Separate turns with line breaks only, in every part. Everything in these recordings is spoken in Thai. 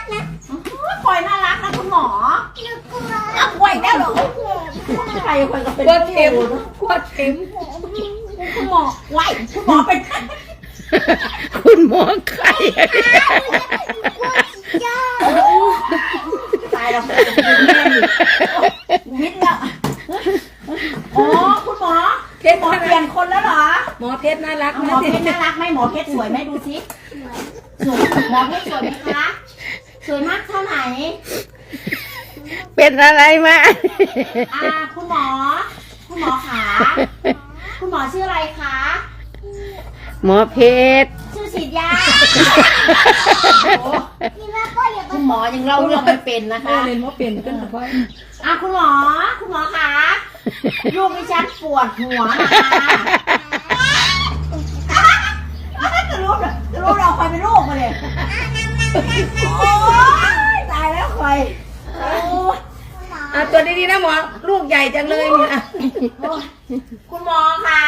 นะ
คอยน่ารักนะคุณหมอ
หนูกลัว
เอาคอยได้หรอใครคอยก็เป็น
ขวดเข็มขวดเข็ม
คุณหมอไหวคุณหมอเป็น
คุณหมอไข่
ย่า
ตายแล้ววิทย์แล้วอ๋อคุณหมอเปลี่ยนคนแล้วเหรอ
หมอเพชรน่ารัก
หม
นะ
อเพชรน่ารักไหมหมอเพชรสวยไหมดูสิสวยหมอเพชรสวยไหมคะสวยมากเท่าไหน
เป็นอะไรมา
คุณหมอขาคุณหมอชื่ออะไรคะ
หมอเพชร
ชื่อฉีดยา
พี่แม่ก็อย่าไป
คุณหมอยังเล่าเรื่องไม่เป็นนะคะ
เรียนว่าเป็นขึ้นมาค่อย
คุณหมอคะลูกดิฉันปวดหัวนะคะจะรู้เราคอยเป็นลูกมาเลยโอ้ยตายแล้วคอยโอ้ย
ตัวดีๆนะหมอลูกใหญ่จังเลยเนี่ย
คุณหมอคะ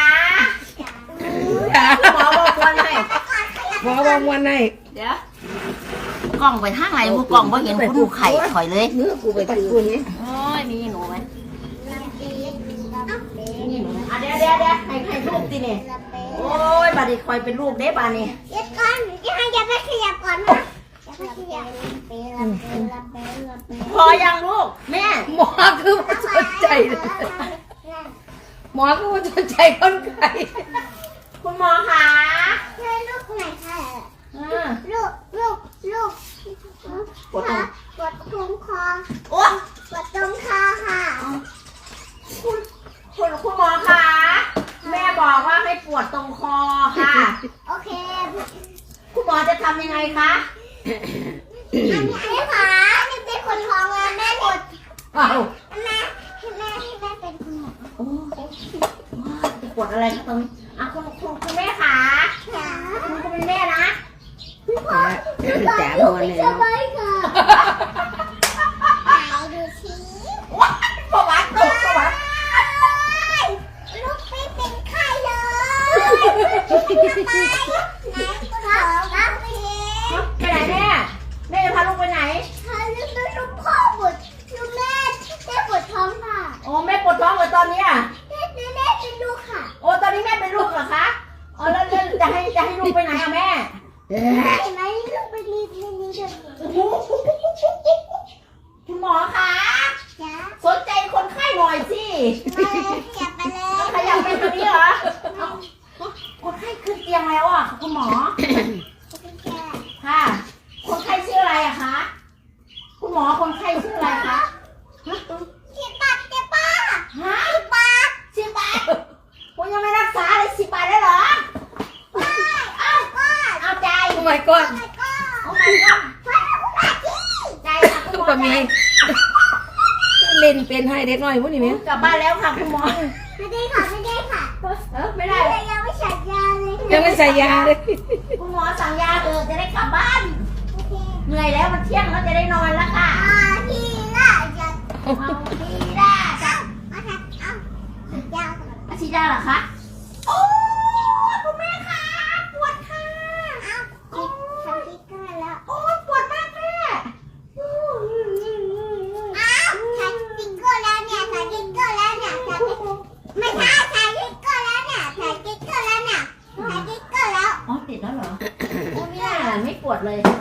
คุณหมอบอกวันไหน
หมอบอกวันไหน
เดี๋ยวกล่องไปทางไหนกูกล่องว่าเห็นคุณดูไข่ถอยเลย
เนื้อกูไปถือนี้
โอ้ยมีหนูไหม
นี่
เดี๋ยวให้ลูกดิเนี่ยโอ้ยบาดีคอยเป็นลูกเด้บานี่
เดี๋ยวก่อนอย่าไปขยับก่อนนะอย่าไปขยับ
พอยังลูกแม่
หมอคือว่าสนใจเลยหมอคือว่าสนใจคนไข้
คุณหมอคะ
ช่วยลูกหน่อยค่ะ ลูกปวดตรงคอ
โอ้
ปวดตรงคอค่ะ
คุณหมอคะแม่บอกว่าให้ปวดตรงคอค่ะ
โอเค
คุณหมอจะทำยังไงคะ
อันนี้ค่ะนี่เป็นคนท้องแล้วแม่ปวด
เอ้า
แม่เป็นคุณหมอ
โอ้จะปวดอะไรคะตรงนี้คุณแม่คะ
ค่ะ
คุณก็เป็นแม่นะ
จ๋าพอแล้ว
สบายค่ะไหนดูสิ
ว้ายประวัติตกประวัติ
ลูกไม่เป็นไข้เลยทำไมไหนคุณหมอครับพี่
ไปไหนแม่จะพาลูกไปไหน
ลูกพ่อปวดลูกแม่ปวดท้องค่ะ
โอ้แม่ปวดท้องเหรอตอนนี้อ่ะ
แม่เป็นลูกค่ะ
โอ้ตอนนี้แม่เป็นลูกเหรอคะอ๋อแล้วจะให้ลูกไปไหนอะแม่
เห็นไหมลูกไปรีบเดี๋ยว
คุณหมอคะ
จ้า
สนใจคนไข้หน่อยสิ
มาเลยขยับไปเลย
ขยับไปทางนี้เหรอคนไข้ขึ้นเตียงแล้วอ่ะคุณหมอ ค่ะ คนไข้ชื่ออะไรอะคะ คุณหมอคนไข้ชื่ออะไรคะ
สิบบาทเจ๊ป้า
ฮะ
สิบบาท
10 บาทคุณยังไม่รักษาเลย10 บาทได้เหรอ เอาใจ
โอ้ my god
โอ้ my god ใจค่ะคุณหมอ
ก็มีเล่นเป็นให้เด็กน้อยพวกนี้ไหม
กลับบ้านแล้วค่ะคุณหมอ
ไม่ได้ค่ะไม่ได้ค่ะ
ไม่ได้
ยังไม่ฉันยาเลย
ยังไม่ใส่ยาเลย
คุณหมอสั่งยาจะได้กลับบ้าน
โอเค
เหนื่อยแล้วมันเที่ยงแล้วจะได้นอนแล้วค่ะ
ทีละจะ
เอาดีด้าจ้ะ
เอาถักเอายาว
อาชีดาเหรอคะ โอ้คุณแม่คะปวดค่ะ
เอาทำติ๊กเกอร์แล้ว
โอ้ปวดมากแม่
อ้าวใช้ติ๊กเกอร์แล้วเนี่ยใช้ติ๊กเกอร์แล้วเนี่ยไม่ใช่ใช้ติ๊กเกอร์แล้วเนี่ยใช้ติ๊กเกอร์แล้วเนี่ยใช้ติ๊กเกอร์แล้ว
อ๋อติดแล้วเหรอโอ้ไม่ได้ไม่ปวดเลย